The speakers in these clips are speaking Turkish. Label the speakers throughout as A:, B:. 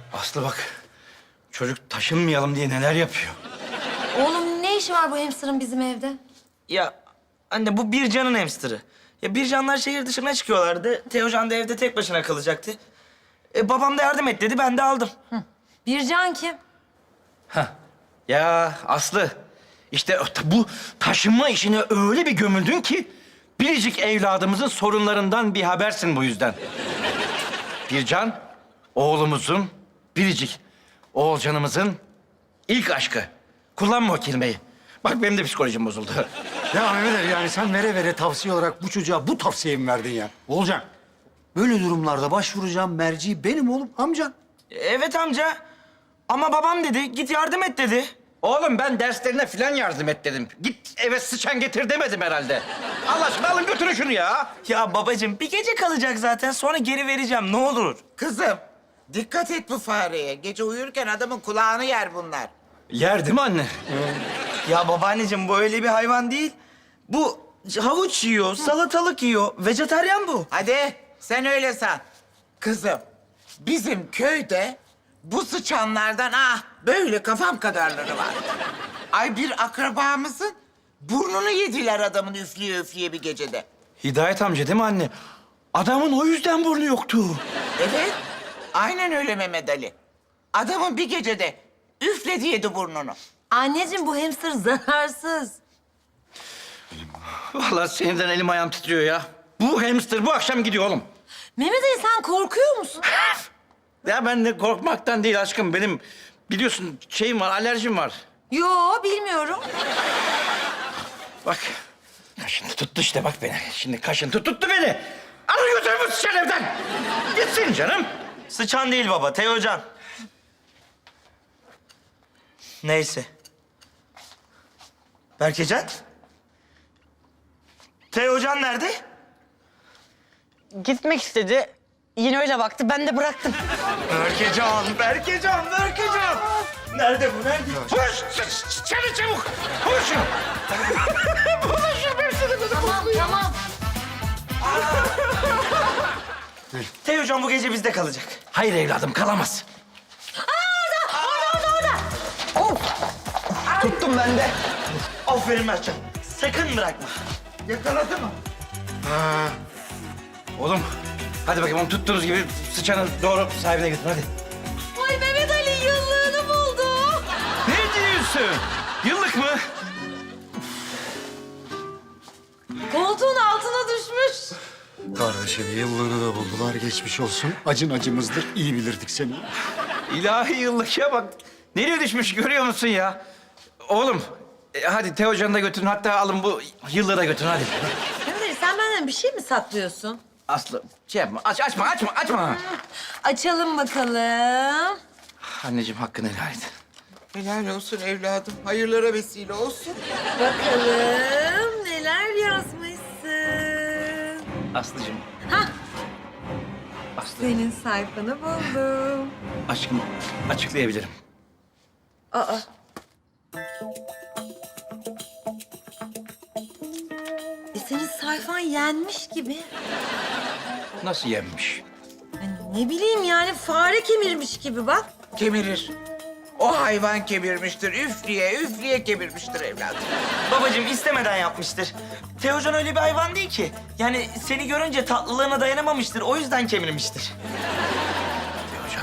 A: Aslı bak, çocuk taşınmayalım diye neler yapıyor.
B: Oğlum ne işi var bu hamsterın bizim evde?
C: Ya anne bu Bircan'ın hamsterı. Ya Bircanlar şehir dışına çıkıyorlardı. Teocan da evde tek başına kalacaktı. Babam da yardım et dedi, ben de aldım.
B: Bircan kim?
A: Ya Aslı, işte bu taşınma işine öyle bir gömüldün ki... ...biricik evladımızın sorunlarından bir habersin bu yüzden. Bircan, oğlumuzun, biricik Oğulcanımızın ilk aşkı. Kullanma o kelimeyi. Bak benim de psikolojim bozuldu.
D: Ya Mehmet Ali, yani sen vere vere tavsiye olarak bu çocuğa bu tavsiyeyi mi verdin ya? Olcan, böyle durumlarda başvuracağım merci benim oğlum, amcan.
C: Evet amca. Ama babam dedi, git yardım et dedi.
A: Oğlum ben derslerine falan yardım et dedim. Git eve sıçan getir demedim herhalde. Allah aşkına alın götürün şunu ya.
C: Ya babacığım bir gece kalacak zaten, sonra geri vereceğim ne olur.
E: Kızım, dikkat et bu fareye. Gece uyurken adamın kulağını yer bunlar.
A: Yer değil mi anne?
C: Ya babaanneciğim bu öyle bir hayvan değil. Bu havuç yiyor, salatalık yiyor. Vejetaryen bu.
E: Hadi sen öyle san. Kızım, bizim köyde bu sıçanlardan böyle kafam kadarları var. Ay bir akrabamızın burnunu yediler adamın üfleye üfleye bir gecede.
A: Hidayet amca değil mi anne? Adamın o yüzden burnu yoktu.
E: Evet, aynen öyle Mehmet Ali. Adamın bir gecede üfledi yedi burnunu.
B: Anneciğim bu hamster zararsız.
A: Vallahi sinirden elim ayağım titriyor ya. Bu hamster bu akşam gidiyor oğlum.
B: Mehmet Ali sen korkuyor musun?
A: Ya ben de korkmaktan değil aşkım. Benim biliyorsun şeyim var, alerjim var.
B: Yo bilmiyorum.
A: Bak, kaşıntı tuttu işte bak beni. Şimdi kaşıntı tuttu beni. Alın götür bu sıçan evden. Gitsin canım.
C: Sıçan değil baba, Teocan. Neyse. Berkecan? Teocan nerede?
F: Gitmek istedi. Yine öyle baktı. Ben de bıraktım.
C: Berkecan. Nerede bu, nerede?
A: Koş, çabuk çabuk. Koş.
B: Tamam.
C: Teocan bu gece bizde kalacak.
A: Hayır evladım kalamaz.
F: Tuttum ben de.
C: Aferin Mertcan. Sakın bırakma.
E: Yakaladı mı?
A: Oğlum hadi bakayım onu tuttuğunuz gibi sıçanı doğru sahibine götür hadi.
B: Ay Mehmet Ali yıllığını buldu.
A: Ne diyorsun? Yıllık mı?
B: Koltuğun altına düşmüş.
D: Kardeşim, yıllığını da buldular, geçmiş olsun. Acın acımızdır, iyi bilirdik seni.
A: İlahi yıllık ya bak. Nereye düşmüş görüyor musun ya? Oğlum hadi Teocan'ı da götürün hatta alın bu yıllığı da götürün hadi.
B: Mehmet Ali sen benden bir şey mi saklıyorsun?
A: Aslı şey yapma açma.
B: Açalım bakalım.
A: Anneciğim hakkını helal et.
E: Helal olsun evladım. Hayırlara vesile olsun.
B: Bakalım neler yazmışsın.
A: Aslıcığım.
B: Hah.
A: Aslı
B: Senin sayfanı buldum.
A: aşkım açıklayabilirim.
B: Aa. Senin sayfan yenmiş gibi.
A: Nasıl yenmiş?
B: Hani ne bileyim yani fare kemirmiş gibi bak.
E: Kemirir. O hayvan kemirmiştir. Üfleye üfleye kemirmiştir evladım.
C: Babacığım istemeden yapmıştır. Teocan öyle bir hayvan değil ki. Yani seni görünce tatlılığına dayanamamıştır. O yüzden kemirmiştir.
A: Teocan.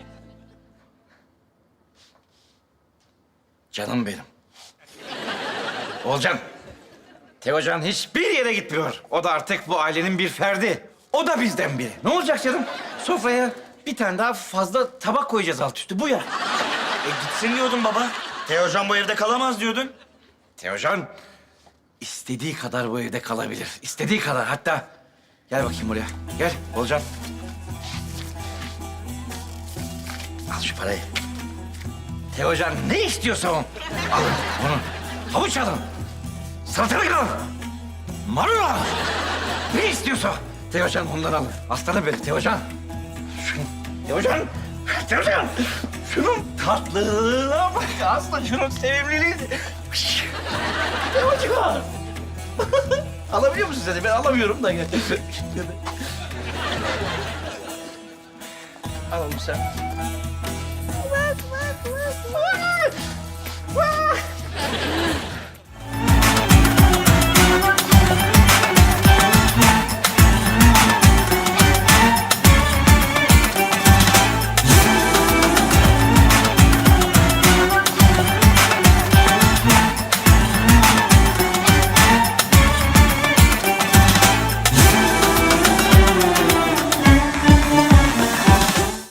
A: Canım benim. Olcan. Teocan hiçbir yere gitmiyor. O da artık bu ailenin bir ferdi. O da bizden biri. Ne olacak canım? Sofraya bir tane daha fazla tabak koyacağız alt üstü. Bu ya.
C: Gitsin diyordun baba. Teocan bu evde kalamaz diyordun.
A: Teocan istediği kadar bu evde kalabilir. İstediği kadar. Hatta gel bakayım buraya. Gel Olcan. Al şu parayı. Teocan ne istiyorsa o. Alın bunu. Havuç alın. Salatalık alın. Marul alın. Ne istiyorsa. Teocan onları alın. Aslanım benim Teocan. Şunu. Teocan. Teocan. Şunun tatlılığına bak. Aslan şunun sevimliliği. Teocan. Alabiliyor musun seni? Ben alamıyorum da. Al oğlum sen.